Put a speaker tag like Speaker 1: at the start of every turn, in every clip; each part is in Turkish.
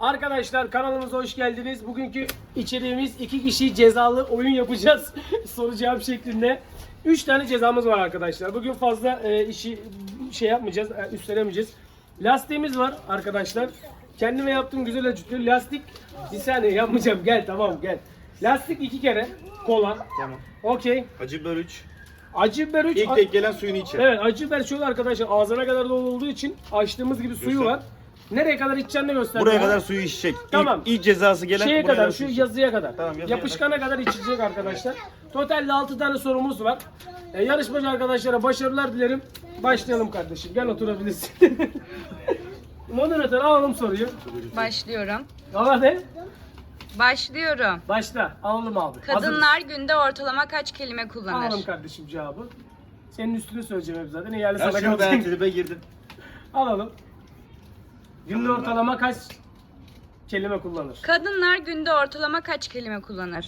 Speaker 1: Arkadaşlar kanalımıza hoş geldiniz. Bugünkü içeriğimiz 2 kişi cezalı oyun yapacağız. Soru cevap şeklinde. 3 tane cezamız var arkadaşlar. Bugün fazla işi yapmayacağız, üstlenemeyeceğiz. Lastiğimiz var arkadaşlar. Kendime yaptığım güzel acıtıyor. Lastik bir saniye yapmayacağım. Gel tamam gel. Lastik 2 kere. Kola.
Speaker 2: Tamam.
Speaker 1: Okey.
Speaker 2: Acı biber 3.
Speaker 1: Acı biber 3.
Speaker 2: İlk tek gelen suyunu içer.
Speaker 1: Evet, acı biber şöyle arkadaşlar ağzına kadar dolu olduğu için açtığımız gibi suyu
Speaker 2: Göster.
Speaker 1: var. Nereye kadar içeceğini göster.
Speaker 2: Buraya
Speaker 1: ya.
Speaker 2: kadar suyu içecek.
Speaker 1: Tamam.
Speaker 2: İlk cezası gelen
Speaker 1: Şeye
Speaker 2: buraya
Speaker 1: kadar,
Speaker 2: su
Speaker 1: şu
Speaker 2: içecek.
Speaker 1: yazıya kadar.
Speaker 2: Tamam, yazıya
Speaker 1: Yapışkana kadar içecek arkadaşlar. Totalde 6 tane sorumuz var. Yarışmacı arkadaşlara başarılar dilerim. Başlayalım kardeşim. Gel oturabilirsin. Moderatör alalım soruyu.
Speaker 3: Başlıyorum.
Speaker 1: Al hadi.
Speaker 3: Başlıyorum.
Speaker 1: Başla. Alalım abi.
Speaker 3: Kadınlar günde ortalama kaç kelime
Speaker 1: Hazır.
Speaker 3: kullanır?
Speaker 1: Alalım kardeşim cevabı. Senin üstünü söyleyeceğim hep zaten. Yani
Speaker 2: Ya
Speaker 1: sana
Speaker 2: şunu ben
Speaker 1: kalacak.
Speaker 2: tribe girdim.
Speaker 1: Alalım. Günde
Speaker 2: Kadınlar-
Speaker 1: ortalama kaç kelime kullanır?
Speaker 3: Kadınlar günde ortalama kaç kelime kullanır?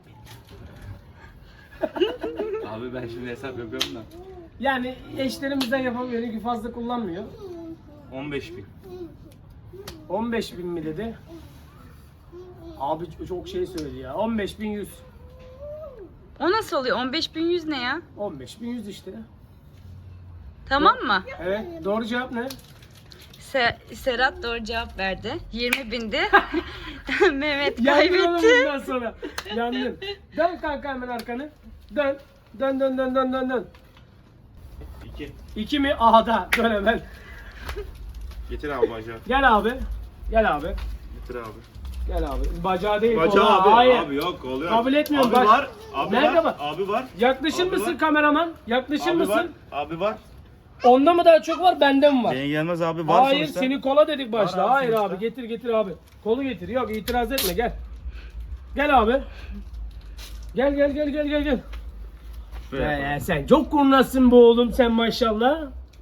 Speaker 2: Abi ben şimdi hesap yapıyorum da.
Speaker 1: Yani eşlerimizden yapamıyor. Ki fazla kullanmıyor.
Speaker 2: 15.000.
Speaker 1: 15.000 mi dedi? Abi çok şey söyledi ya. 15.100.
Speaker 3: O nasıl oluyor? 15.100 ne ya?
Speaker 1: 15.100 işte.
Speaker 3: Tamam mı?
Speaker 1: Evet. Doğru cevap ne?
Speaker 3: Serhat doğru cevap verdi. 20.000'di. Mehmet
Speaker 1: Yandın oğlum
Speaker 3: kaybetti.
Speaker 1: bundan sonra. Yandın. Dön kanka hemen arkanı. Dön. Dön dön dön dön dön dön.
Speaker 2: 2.
Speaker 1: 2 mi? Aha da. Dön hemen.
Speaker 2: Getir abi bacağı.
Speaker 1: Gel abi. Gel abi.
Speaker 2: Getir abi.
Speaker 1: Gel abi. Bacağı değil.
Speaker 2: Bacağı
Speaker 1: kola.
Speaker 2: abi.
Speaker 1: Hayır.
Speaker 2: Abi yok oluyor.
Speaker 1: Kabul etmiyorum.
Speaker 2: Abi
Speaker 1: Baş-
Speaker 2: var. Abi
Speaker 1: Nerede
Speaker 2: var.
Speaker 1: var?
Speaker 2: Abi var.
Speaker 1: Yaklaşır
Speaker 2: Abi
Speaker 1: mısın
Speaker 2: var.
Speaker 1: kameraman? Yaklaşır
Speaker 2: Abi
Speaker 1: mısın?
Speaker 2: var. Abi var.
Speaker 1: Onda mı daha çok var, bende mi var?
Speaker 2: Beni gelmez abi var
Speaker 1: Hayır,
Speaker 2: sonuçta.
Speaker 1: seni kola dedik başta.
Speaker 2: Var abi
Speaker 1: Hayır
Speaker 2: sonuçta.
Speaker 1: abi, getir getir abi. Kolu getir. Yok, itiraz etme, gel. Gel abi. Gel gel gel gel gel gel.
Speaker 2: Şuraya yapalım.
Speaker 1: Sen çok kurnazsın bu oğlum sen maşallah.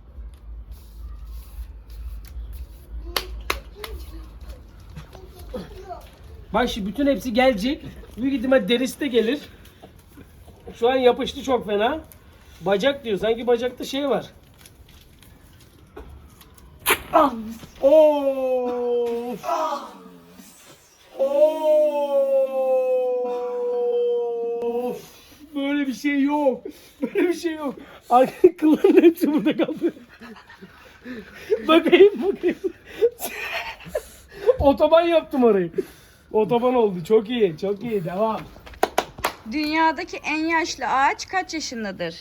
Speaker 1: Bak şimdi bütün hepsi gelecek. Büyük ihtimal derisi de gelir. Şu an yapıştı çok fena. Bacak diyor. Sanki bacakta şey var. Ah! Of! Of! Böyle bir şey yok. Böyle bir şey yok. Arka kılların hepsi burada kaldı. Bakayım. Otoban yaptım orayı. Otoban oldu. Çok iyi. Çok iyi. Devam.
Speaker 3: Dünyadaki en yaşlı ağaç kaç yaşındadır?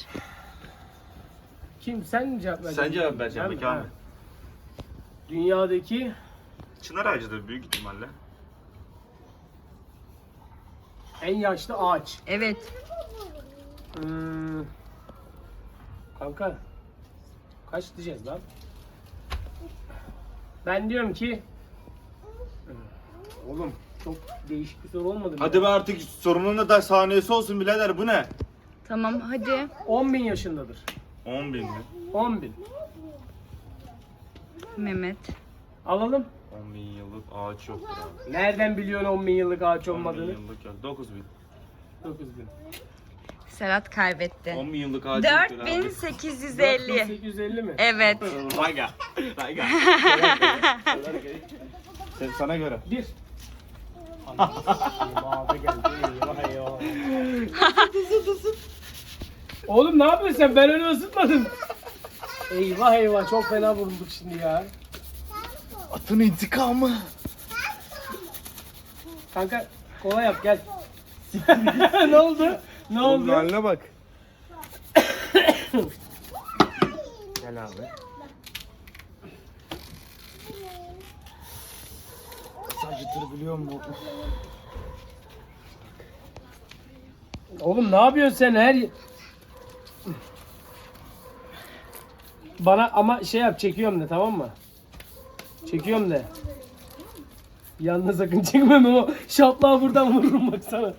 Speaker 1: Kim? Sen mi cevap vereceksin?
Speaker 2: Sen cevap vereceksin
Speaker 1: Ben-
Speaker 2: peki abi.
Speaker 1: ha. Dünyadaki
Speaker 2: Çınar ağacıdır büyük ihtimalle.
Speaker 1: en yaşlı ağaç.
Speaker 3: Evet.
Speaker 1: Kanka kaç diyeceğiz lan? Ben diyorum ki oğlum çok değişik bir soru olmadı mı?
Speaker 2: Hadi be artık sorunun da saniyesi olsun birader bu ne?
Speaker 3: Tamam hadi.
Speaker 1: 10.000 yaşındadır.
Speaker 2: 10.000 mi?
Speaker 1: 10.000.
Speaker 3: Mehmet.
Speaker 1: Alalım.
Speaker 2: 10.000 yıllık ağaç yoktur abi.
Speaker 1: Nereden biliyorsun 10.000 yıllık ağaç
Speaker 2: 10.000
Speaker 1: olmadığını?
Speaker 2: yıllık yok. 9.000.
Speaker 1: 9.000.
Speaker 3: Serhat kaybetti.
Speaker 2: 10.000 yıllık ağaç yoktur abi.
Speaker 3: 4850.
Speaker 1: 4850 mi?
Speaker 3: Evet.
Speaker 2: Rayga. Rayga. Sana göre.
Speaker 1: 1. Eyvah geldi. Eyvah eyvah. Oğlum ne yapıyorsun sen? Ben öyle ısıtmadım. Eyvah eyvah çok fena vurulduk şimdi ya.
Speaker 2: Atın intikamı.
Speaker 1: Kanka kola yap gel. Ne oldu? Ne oldu?
Speaker 2: Haline bak. Gel abi. Acıtır biliyor musun?
Speaker 1: Oğlum ne yapıyorsun sen her bana ama şey yap çekiyorum de tamam mı? Çekiyorum de. Yalnız sakın çekmem o şaplığa buradan vururum bak sana.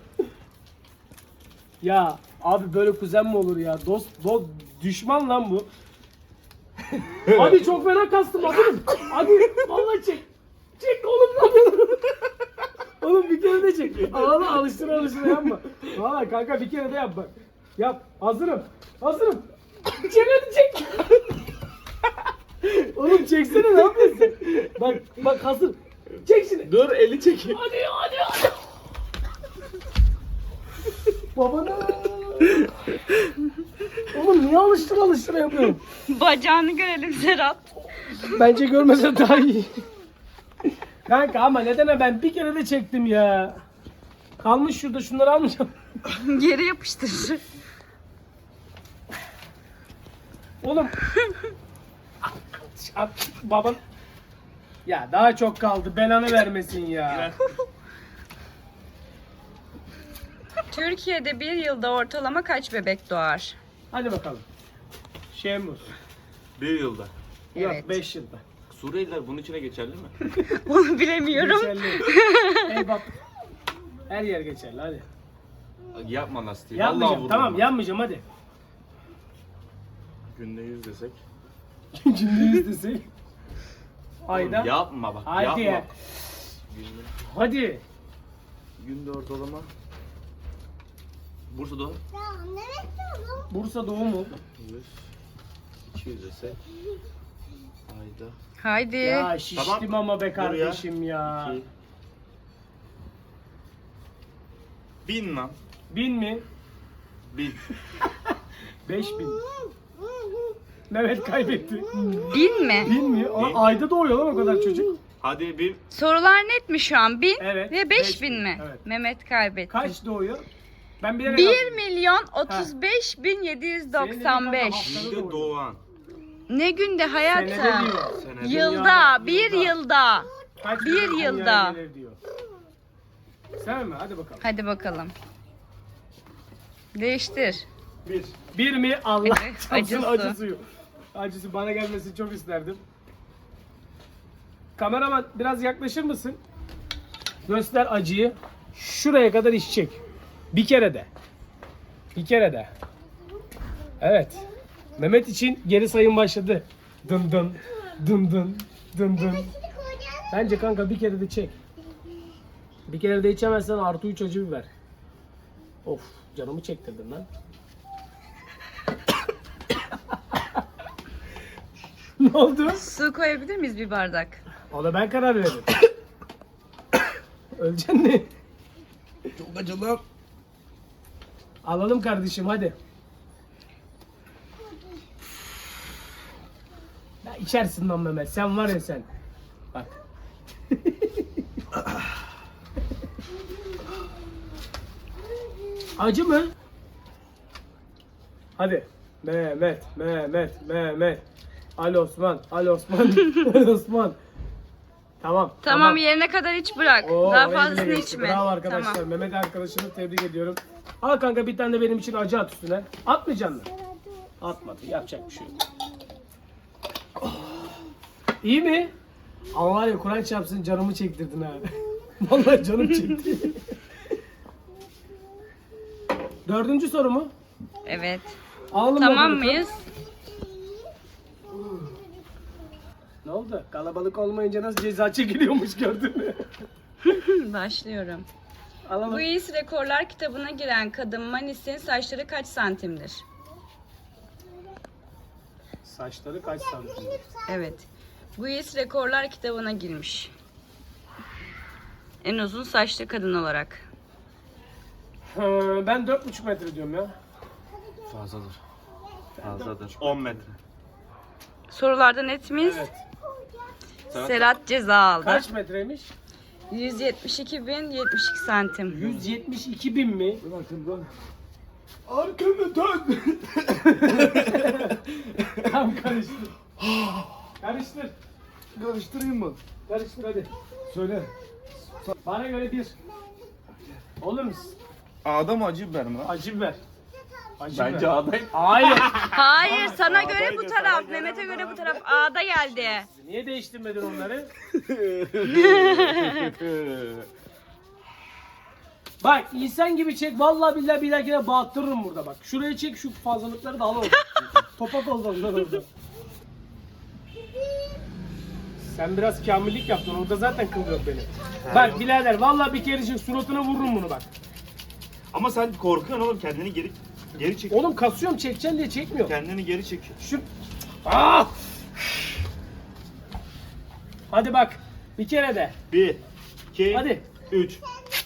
Speaker 1: Ya abi böyle kuzen mi olur ya? Dost düşman lan bu. Hadi çok fena kastım hadi. Hadi vallahi çek. Çek oğlum lan. Oğlum bir kere de çek. Ağla alıştır yapma. Valla kanka bir kere de yap bak. Yap. Hazırım. Çek hadi çek. Oğlum çeksene ne yapıyorsun? Bak hazır. Çek şimdi.
Speaker 2: Dur eli çekeyim.
Speaker 1: Hadi. Babana. Oğlum niye alıştıra yapıyorum?
Speaker 3: Bacağını görelim Serhat.
Speaker 1: Bence görmese daha iyi. Kanka ama nedene ben bir kere de çektim ya. Kalmış şurada, şunları almayacağım.
Speaker 3: Geri yapıştır.
Speaker 1: Oğlum. Baban. Ya daha çok kaldı. Belanı vermesin ya.
Speaker 3: Türkiye'de bir yılda ortalama kaç bebek doğar?
Speaker 1: Hadi bakalım. Şemuz.
Speaker 2: Bir yılda.
Speaker 3: Evet.
Speaker 1: Yok 5 yılda.
Speaker 2: Suriyeliler bunun içine geçerli mi?
Speaker 3: Onu bilemiyorum.
Speaker 1: Geçerli. Ey bak. Her yer geçerli hadi.
Speaker 2: Yapma lastiği.
Speaker 1: Yanmayacağım tamam yanmayacağım hadi.
Speaker 2: Günde 100 desek.
Speaker 1: Cümle istesek. Ayda.
Speaker 2: Oğlum yapma bak
Speaker 1: Hadi.
Speaker 2: yapma. Günde,
Speaker 1: Hadi.
Speaker 2: günde ortalama. Bursa'da
Speaker 1: Bursa Doğu mu?
Speaker 2: 100, 200 desek. Ayda.
Speaker 3: Haydi.
Speaker 1: Ya şiştim
Speaker 2: Tamam.
Speaker 1: ama be
Speaker 2: Dur ya.
Speaker 1: kardeşim ya.
Speaker 2: 2. 1000 lan.
Speaker 1: 1000 mi?
Speaker 2: 1000.
Speaker 1: 5000. Mehmet kaybetti.
Speaker 3: 1000 mi?
Speaker 1: 1000 mi? Ayda doğuyor lan o kadar çocuk.
Speaker 2: Hadi 1000.
Speaker 3: Sorular net mi şu an? 1000
Speaker 1: Evet,
Speaker 3: ve
Speaker 1: 5000
Speaker 3: 5000 mi?
Speaker 1: evet.
Speaker 3: Mehmet kaybetti.
Speaker 1: Kaç doğuyor? Ben bilerek
Speaker 3: 1 milyon 35 bin 795.
Speaker 2: Günde doğan.
Speaker 3: Ne günde
Speaker 1: Senede
Speaker 3: hayatım?
Speaker 1: diyor.
Speaker 2: Senede.
Speaker 3: Yılda, bir yılda.
Speaker 1: Kaç
Speaker 3: Bir
Speaker 1: dünyaya
Speaker 3: yılda.
Speaker 1: gelir diyor. Sen mi? Hadi bakalım.
Speaker 3: Hadi bakalım. Değiştir.
Speaker 1: 1. 1 mi? Allah
Speaker 3: Evet,
Speaker 1: çarpsın
Speaker 3: acısı.
Speaker 1: acı suyu. Acısı bana gelmesini çok isterdim. Kameraman biraz yaklaşır mısın? Göster acıyı. Şuraya kadar iş çek. Bir kere de. Bir kere de. Evet. Mehmet için geri sayım başladı. Dın dın. Dın dın. Dın dın. Bence kanka bir kere de çek. Bir kere de içemezsen artı 3 acı biber. Of canımı çektirdin lan. Ne oldu?
Speaker 3: Su koyabilir miyiz bir bardak?
Speaker 1: Ona ben karar veririm. Öleceksin mi?
Speaker 2: Çok acılı.
Speaker 1: Alalım kardeşim hadi. Ya içersin lan Mehmet. Sen var ya sen. Bak. Acı mı? Hadi. Mehmet. Ali Osman. Ali Osman. Tamam.
Speaker 3: Tamam yerine kadar hiç bırak.
Speaker 1: Oo,
Speaker 3: Daha
Speaker 1: oraya
Speaker 3: fazlasını
Speaker 1: bile geçti.
Speaker 3: içme.
Speaker 1: Bravo arkadaşlar.
Speaker 3: Tamam.
Speaker 1: Mehmet arkadaşımı tebrik ediyorum. Al kanka bir tane de benim için acı at üstüne. Atmayacaksın mı? Atmadı. Yapacak bir şey yok. İyi mi? Ama var ya Kur'an çarpsın canımı çektirdin ha. Vallahi canım çekti. 4. soru mu?
Speaker 3: Evet.
Speaker 1: Alalım
Speaker 3: Tamam
Speaker 1: bakalım.
Speaker 3: mıyız?
Speaker 1: Ne oldu? Kalabalık olmayınca nasıl ceza çekiliyormuş gördün mü?
Speaker 3: Başlıyorum.
Speaker 1: Alalım.
Speaker 3: Guinness Rekorlar kitabına giren kadın Manis'in saçları kaç santimdir?
Speaker 1: Saçları kaç santim?
Speaker 3: Evet. Guinness Rekorlar kitabına girmiş. En uzun saçlı kadın olarak.
Speaker 1: Ben 4,5 metre diyorum ya.
Speaker 2: Fazladır. Fazladır. 10 metre.
Speaker 3: Sorularda net miyiz?
Speaker 1: Evet.
Speaker 3: Serhat ceza aldı.
Speaker 1: Kaç metreymiş?
Speaker 3: 172.072 santim.
Speaker 1: 172 bin mi? Arkanı dön. Tamam karıştır. Karıştır.
Speaker 2: Karıştırayım mı?
Speaker 1: Karıştır hadi.
Speaker 2: Söyle.
Speaker 1: Bana göre 1. Olur musun?
Speaker 2: Ağda mı acı biber mi lan?
Speaker 1: Acı biber. Acı
Speaker 2: Bence
Speaker 1: biber.
Speaker 2: ağdayım.
Speaker 1: Hayır.
Speaker 3: Hayır sana
Speaker 2: A'daydı,
Speaker 3: göre bu
Speaker 2: sana
Speaker 3: taraf.
Speaker 2: göre
Speaker 3: Mehmet'e
Speaker 2: bu
Speaker 3: göre bu
Speaker 2: taraf.
Speaker 3: taraf. A'da geldi.
Speaker 1: Niye değiştirmedin onları? Bak insan gibi çek. Vallahi billahi bir dahakine bağıttırırım burada bak. Şuraya çek şu fazlalıkları da al orada. Topak oldu onlar orada. Sen biraz kamillik yaptın. Orada zaten kıl yok benim. Bak birader vallahi bir kere çek suratına vururum bunu bak.
Speaker 2: Ama sen korkuyorsun oğlum, kendini geri çek.
Speaker 1: Oğlum kasıyorum çekeceksin diye çekmiyor.
Speaker 2: Kendini geri çek.
Speaker 1: Şu... Ah! Hadi bak. Bir kere de.
Speaker 2: 1, 2,
Speaker 1: Hadi.
Speaker 2: 3.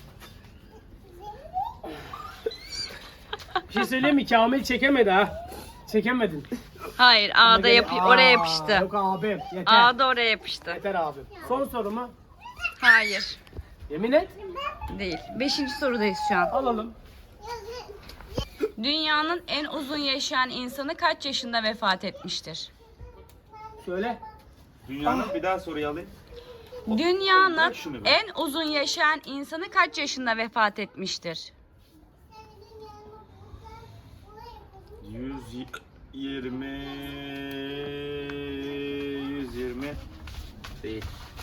Speaker 1: Bir şey söyleyeyim mi? Kamil çekemedi ha. Çekemedin.
Speaker 3: Hayır A'da oraya yapıştı.
Speaker 1: Yok abim. Yeter.
Speaker 3: A'da oraya yapıştı.
Speaker 1: Yeter abim. Son soru mu?
Speaker 3: Hayır.
Speaker 1: Yemin et.
Speaker 3: Değil. 5. sorudayız şu an.
Speaker 1: Alalım.
Speaker 3: Dünyanın en uzun yaşayan insanı kaç yaşında vefat etmiştir?
Speaker 1: Söyle.
Speaker 2: Dünyanın bir daha soruyu alayım.
Speaker 3: Dünyanın
Speaker 2: Bırak şunu be.
Speaker 3: en uzun yaşayan insanı kaç yaşında vefat etmiştir?
Speaker 2: 120 değil.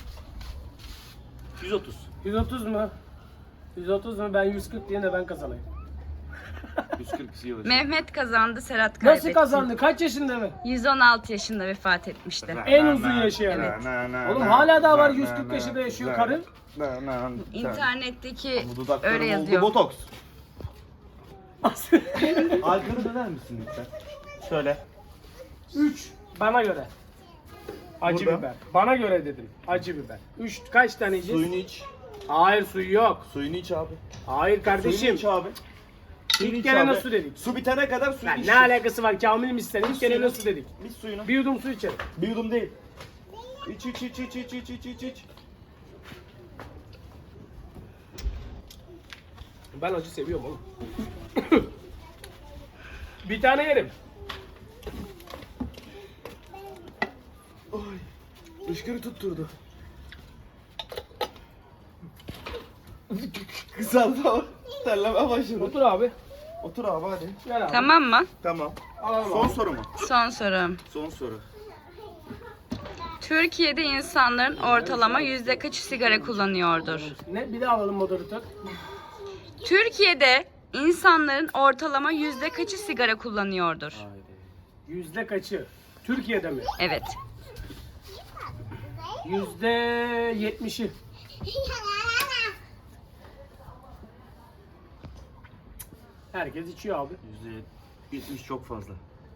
Speaker 2: 130.
Speaker 1: 130 mu? 130 mu? Ben 140 diye de ben kazanayım.
Speaker 2: 140 yıl.
Speaker 3: Mehmet kazandı, Serhat kaybetti.
Speaker 1: Nasıl kazandı? Kaç yaşında mı?
Speaker 3: 116 yaşında vefat etmişti.
Speaker 1: En uzun yaşayan. Oğlum hala daha var 140 yaşında yaşıyor karı.
Speaker 3: İnternetteki
Speaker 2: Bu dudaklarım
Speaker 3: öyle
Speaker 2: oldu
Speaker 3: yazıyor.
Speaker 2: botoks. Arkanı döner misin lütfen? Şöyle.
Speaker 1: 3 bana göre. Acı
Speaker 2: Burada.
Speaker 1: biber. Bana göre dedim. Acı biber. 3 kaç tane yiyeceğiz?
Speaker 2: Suyunu iç.
Speaker 1: Hayır suyu yok.
Speaker 2: Suyunu iç abi.
Speaker 1: Hayır
Speaker 2: Suyunu
Speaker 1: kardeşim.
Speaker 2: iç abi. Suyunu
Speaker 1: İlk
Speaker 2: iç
Speaker 1: kere
Speaker 2: abi.
Speaker 1: nasıl dedik?
Speaker 2: Su bitene kadar suyunu
Speaker 1: Lan
Speaker 2: iç.
Speaker 1: ne alakası var Kamil mi istedi? İlk kere
Speaker 2: suyunu.
Speaker 1: nasıl dedik?
Speaker 2: İç suyunu.
Speaker 1: Bir yudum su içelim.
Speaker 2: Bir yudum değil. İç iç iç iç iç iç iç iç iç.
Speaker 1: Ben acı seviyorum oğlum. Bir tane yerim.
Speaker 2: Işkırı tutturdu. Kısaldı ama terleme başladı.
Speaker 1: Otur abi.
Speaker 2: Otur abi hadi.
Speaker 1: Gel abi.
Speaker 3: Tamam mı?
Speaker 2: Tamam.
Speaker 1: Alalım
Speaker 2: Son
Speaker 1: abi.
Speaker 2: soru mu?
Speaker 3: Son soru.
Speaker 2: Son soru.
Speaker 3: Türkiye'de insanların ortalama yüzde kaçı sigara kullanıyordur?
Speaker 1: Ne? Bir de alalım moderatör.
Speaker 3: Türkiye'de insanların ortalama yüzde kaçı sigara kullanıyordur?
Speaker 1: Yüzde kaçı? Türkiye'de mi?
Speaker 3: Evet.
Speaker 1: %70'i. Herkes içiyor abi.
Speaker 2: %70 çok fazla.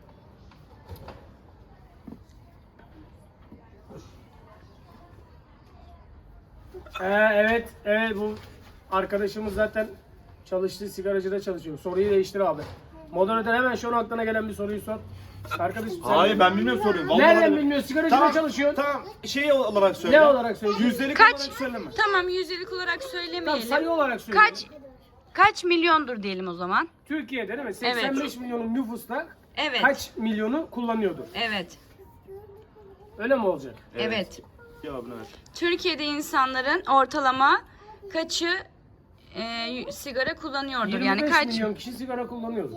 Speaker 1: Evet, evet bu arkadaşımız zaten çalıştığı sigaracıda çalışıyor. Soruyu değiştir abi. Moderatör hemen şu an aklına gelen bir soruyu sor. Arkadaşım sen
Speaker 2: Hayır ben bilmiyorum soruyu. Vallahi
Speaker 1: nereden
Speaker 2: bilmiyorum.
Speaker 1: bilmiyorsun? Sigaracıda
Speaker 2: Tamam,
Speaker 1: çalışıyorsun.
Speaker 2: Tamam. Şey olarak söyle.
Speaker 1: Ne olarak söyleyeceksin?
Speaker 2: Yüzdelik
Speaker 3: Kaç?
Speaker 2: olarak söyleme.
Speaker 3: Tamam yüzdelik olarak
Speaker 1: Tamam,
Speaker 3: söylemeyelim.
Speaker 1: sayı olarak söyle.
Speaker 3: Kaç milyondur diyelim o zaman?
Speaker 1: Türkiye'de değil mi? 85 milyonun nüfusla
Speaker 3: Evet.
Speaker 1: kaç milyonu kullanıyordu?
Speaker 3: Evet.
Speaker 1: Öyle mi olacak?
Speaker 3: Evet.
Speaker 2: Cevabını ver.
Speaker 3: Türkiye'de insanların ortalama kaçı sigara kullanıyordur?
Speaker 1: 25
Speaker 3: Yani kaç?
Speaker 1: milyon kişi sigara kullanıyordur.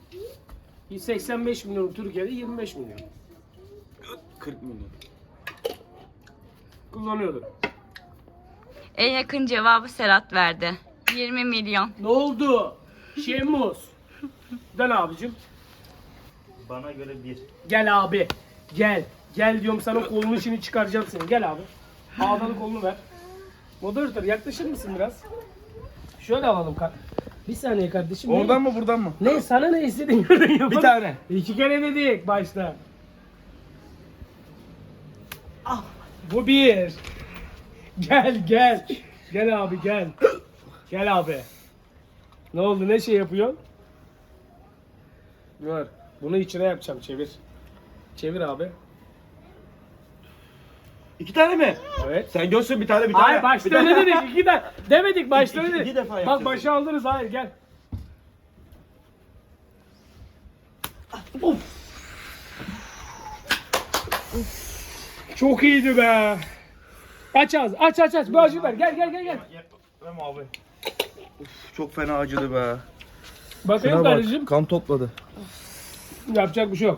Speaker 1: 85 milyon Türkiye'de 25 milyon
Speaker 2: 40 milyon.
Speaker 1: kullanıyordur.
Speaker 3: En yakın cevabı Serhat verdi. 20 milyon.
Speaker 1: Ne oldu? Şemus. Dön abicim.
Speaker 2: Bana göre 1.
Speaker 1: Gel abi. Gel. Gel diyorum sana kolunu şimdi çıkaracağım seni. Gel abi. Ağdalı kolunu ver. Moderatör yaklaşır mısın biraz? Şöyle alalım. Bir saniye kardeşim.
Speaker 2: Oradan mı buradan mı?
Speaker 1: Ne sana ne istediğin yerden yapalım.
Speaker 2: Bir tane.
Speaker 1: 2 kere dedik başta. Ah, bu bir. Gel gel. Gel abi gel. Gel abi. Ne oldu ne şey yapıyorsun? Dur. Bunu içine yapacağım çevir. Çevir abi.
Speaker 2: 2 tane mi?
Speaker 1: Evet.
Speaker 2: Sen görsün bir tane bir tane.
Speaker 1: Hayır başta
Speaker 2: Bir tane.
Speaker 1: öyle dedik. İki de demedik başta
Speaker 2: İki-
Speaker 1: öyle
Speaker 2: iki
Speaker 1: dedik.
Speaker 2: defa
Speaker 1: Bak
Speaker 2: yapacağız.
Speaker 1: başa aldınız hayır gel. Of. Çok iyiydi be. Aç ağzı aç aç aç. Bir acı ver gel gel gel gel.
Speaker 2: Yemem abi. Uf, çok fena acıdı be.
Speaker 1: Bakayım kardeşim.
Speaker 2: Kan topladı.
Speaker 1: Yapacak bir şey yok.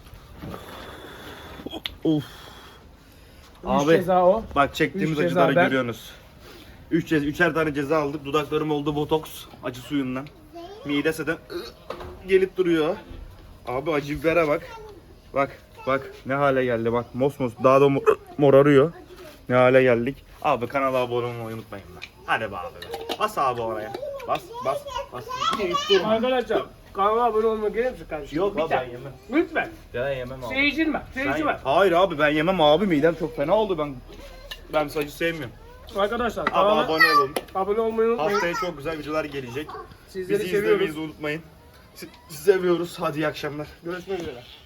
Speaker 2: Of.
Speaker 1: 3
Speaker 2: Abi.
Speaker 1: ceza o.
Speaker 2: Bak çektiğimiz
Speaker 1: Üç
Speaker 2: acıları
Speaker 1: ceza ben.
Speaker 2: görüyorsunuz. Üçer tane ceza aldık. Dudaklarım oldu botoks acı suyundan. Mide zaten gelip duruyor. Abi acı bibere bak. Bak ne hale geldi bak. Mosmos daha da morarıyor. Ne hale geldik. Abi kanala abone olmayı unutmayın lan. Hadi be abi. Bas abi oraya. Bas. Hiç durma.
Speaker 1: Arkadaşlar kanala abone olmak gelir misin kardeşim?
Speaker 2: Yok
Speaker 1: Bir
Speaker 2: abi
Speaker 1: tane.
Speaker 2: ben yemem.
Speaker 1: Lütfen.
Speaker 2: Ben yemem abi.
Speaker 1: Seyircin var. Seyirci var.
Speaker 2: Hayır abi ben yemem abi midem çok fena oldu ben. Ben acı sevmiyorum.
Speaker 1: Arkadaşlar
Speaker 2: Ama
Speaker 1: kanala
Speaker 2: abone olun.
Speaker 1: abone olmayı unutmayın.
Speaker 2: Haftaya çok güzel videolar gelecek.
Speaker 1: Sizleri
Speaker 2: Bizi
Speaker 1: seviyoruz.
Speaker 2: izlemeyi unutmayın. Sizi seviyoruz. Hadi iyi akşamlar.
Speaker 1: Görüşmek üzere.